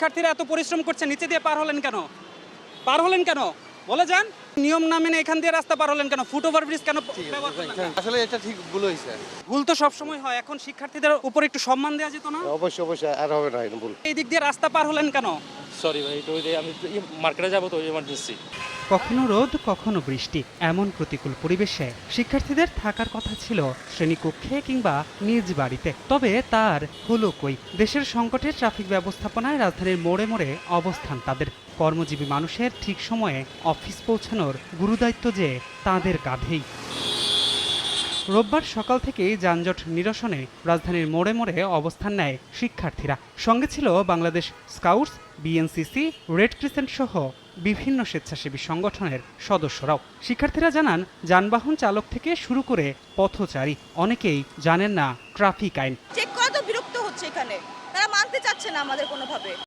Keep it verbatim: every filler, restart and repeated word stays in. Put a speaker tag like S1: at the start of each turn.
S1: শিক্ষার্থীরা এত পরিশ্রম করছে, নিচে দিয়ে পার হলেন কেন? পার হলেন কেন বলে যান। নিয়ম না মেনে এখান দিয়ে রাস্তা পার হলেন কেন? ফুট ওভার ব্রিজ কেন ব্যবহার করলেন না?
S2: আসলে এটা ঠিক ভুল হয়েছে।
S1: ভুল তো সব সময় হয়, এখন শিক্ষার্থীদের উপর একটু সম্মান দেওয়া যেত না?
S2: অবশ্যই অবশ্যই আর হবে না এটা ভুল।
S1: এই দিক দিয়ে রাস্তা পার হলেন কেন?
S3: সরি ভাই, এটা ওই যে আমি মার্কেটে যাবো তো ইমার্জেন্সি।
S4: কখনো রোদ কখনো বৃষ্টি, এমন প্রতিকূল পরিবেশে শিক্ষার্থীদের থাকার কথা ছিল শ্রেণীকক্ষে কিংবা নিজ বাড়িতে, তবে তার হলো কই। দেশের সংকটে ট্রাফিক ব্যবস্থাপনায় রাজধানীর মোড়ে মোড়ে অবস্থান তাদের। কর্মজীবী মানুষের ঠিক সময়ে অফিস পৌঁছানোর গুরুদায়িত্ব যে তাদের কাঁধেই। রোববার সকাল থেকেই যানজট নিরসনে রাজধানীর মোড়ে মোড়ে অবস্থান নেয় শিক্ষার্থীরা। সঙ্গে ছিল Bangladesh scouts, BNCC, red crescent সহ বিভিন্ন স্বেচ্ছাসেবী সংগঠনের সদস্যরাও। শিক্ষার্থীরা জানান, যানবাহন চালক থেকে শুরু করে পথচারী অনেকেই জানেন না ট্রাফিক আইন।
S5: চেক করা তো বিরক্ত হচ্ছে, এখানে তারা মানতে চাচ্ছে না আমাদের কোনোভাবে।